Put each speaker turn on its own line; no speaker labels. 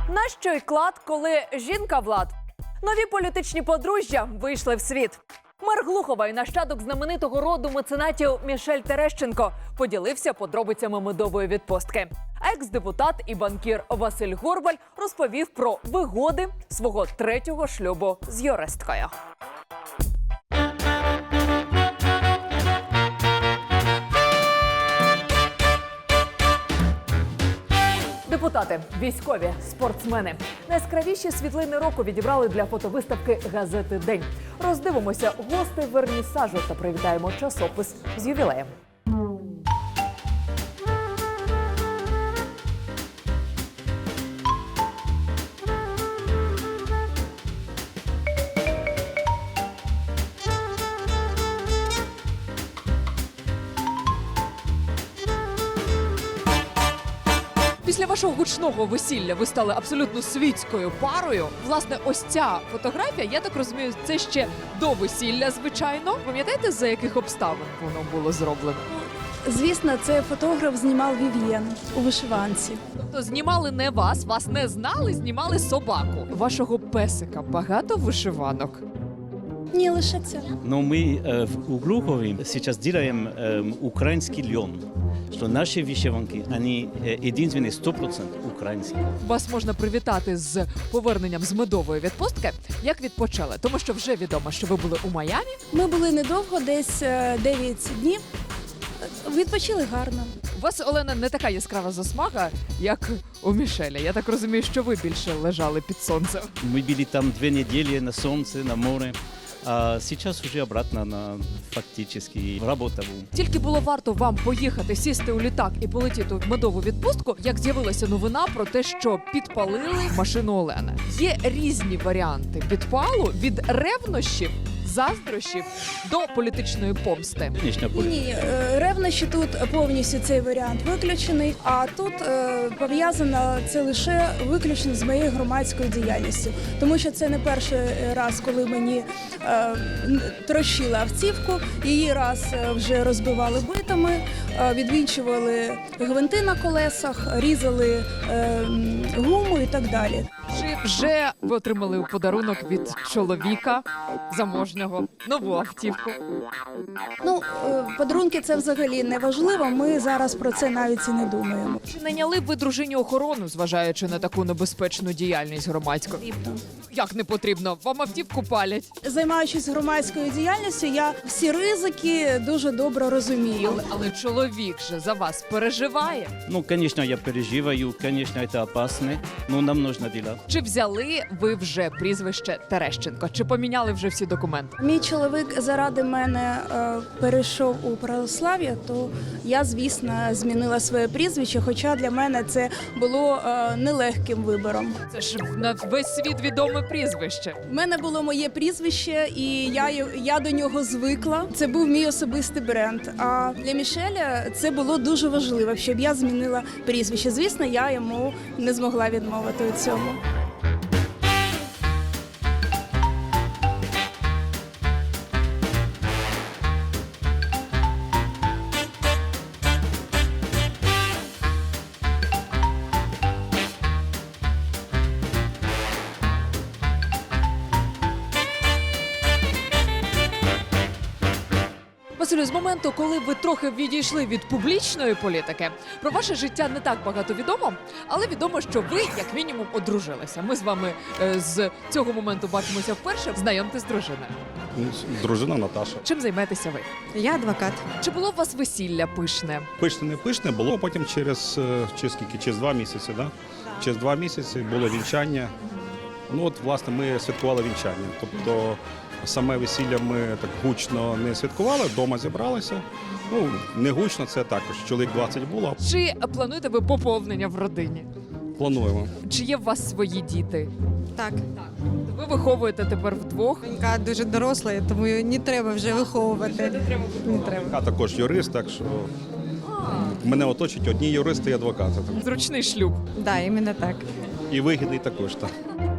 Нащо й клад, коли жінка влад? Нові політичні подружжя вийшли в світ. Мер Глухова і нащадок знаменитого роду меценатів Мішель Терещенко поділився подробицями медової відпустки. А екс-депутат і банкір Василь Горбаль розповів про вигоди свого третього шлюбу з юристкою. Депутати, військові, спортсмени. Найяскравіші світлини року відібрали для фотовиставки газети «День». Роздивимося гостей вернісажу та привітаємо часопис з ювілеєм. Після вашого гучного весілля ви стали абсолютно світською парою. Власне, ось ця фотографія, я так розумію, це ще до весілля, звичайно. Пам'ятаєте, за яких обставин воно було зроблено?
Звісно, цей фотограф знімав Вів'єн у вишиванці.
Тобто знімали не вас, вас не знали, знімали собаку. Вашого песика багато вишиванок?
Ні, лише це.
Но мы у Глухове сейчас делаем украинский лен, что наши вышиванки, они единственные 100% украинские.
Вас можна привітати з поверненням з медової відпустки. Як відпочали? Тому що вже відомо, що ви були у Майамі.
Ми були недовго, десь 9 днів. Відпочили гарно.
У вас, Олена, не така яскрава засмага, як у Мішеля. Я так розумію, що ви більше лежали під сонцем.
Мы были там 2 недели на солнце, на море, а сейчас уже обратно на фактически работу.
Тільки було варто вам поїхати, сісти у літак і полетіти в медову відпустку, як з'явилася новина про те, що підпалили машину Олени. Є різні варіанти підпалу від ревнощів, заздрощів до політичної помсти.
Конечно,
Ні, ревнощі тут повністю цей варіант виключений, а тут пов'язано це лише виключно з моєю громадською діяльністю. Тому що це не перший раз, коли мені трощили автівку, її раз вже розбивали битами, відвінчували гвинти на колесах, різали гуму і так далі.
Чи вже ви отримали у подарунок від чоловіка заможнього нову автівку?
Ну, подарунки це взагалі не важливо, ми зараз про це навіть і не думаємо.
Чи найняли б ви дружині охорону, зважаючи на таку небезпечну діяльність громадську? Як не потрібно? Вам автівку палять.
Займаючись громадською діяльністю, я всі ризики дуже добре розумію.
Але чоловік же за вас переживає.
Ну, конечно, я переживаю, конечно, это опасно, но нам нужно делать.
Чи взяли ви вже прізвище Терещенко? Чи поміняли вже всі документи?
Мій чоловік заради мене перейшов у православ'я, то я, звісно, змінила своє прізвище, хоча для мене це було нелегким вибором.
Це ж на весь світ відоме прізвище.
У мене було моє прізвище, і я до нього звикла. Це був мій особистий бренд. А для Мішеля це було дуже важливо, щоб я змінила прізвище. Звісно, я йому не змогла відмовити у цьому.
Василю, з моменту, коли ви трохи відійшли від публічної політики, про ваше життя не так багато відомо, але відомо, що ви, як мінімум, одружилися. Ми з вами з цього моменту бачимося вперше. Знайомтесь з дружиною.
Дружина Наташа.
Чим займаєтеся ви?
Я адвокат.
Чи було у вас весілля пишне?
Пишне, не пишне, було потім через 2 місяці, да? Через 2 місяці було вінчання. Ну от, власне, ми святкували вінчання. Тобто саме весілля ми так гучно не святкували, вдома зібралися. Ну, не гучно, це також. Чоловік 20 було.
Чи плануєте ви поповнення в родині?
Плануємо.
Чи є у вас свої діти?
Так,
Ви виховуєте тепер вдвох?
донька дуже доросла, тому її не треба вже виховувати. Не треба.
Я також юрист, так що мене оточують одні юристи і адвокати.
Зручний шлюб.
Да, іменно так.
І вигідний також. Так.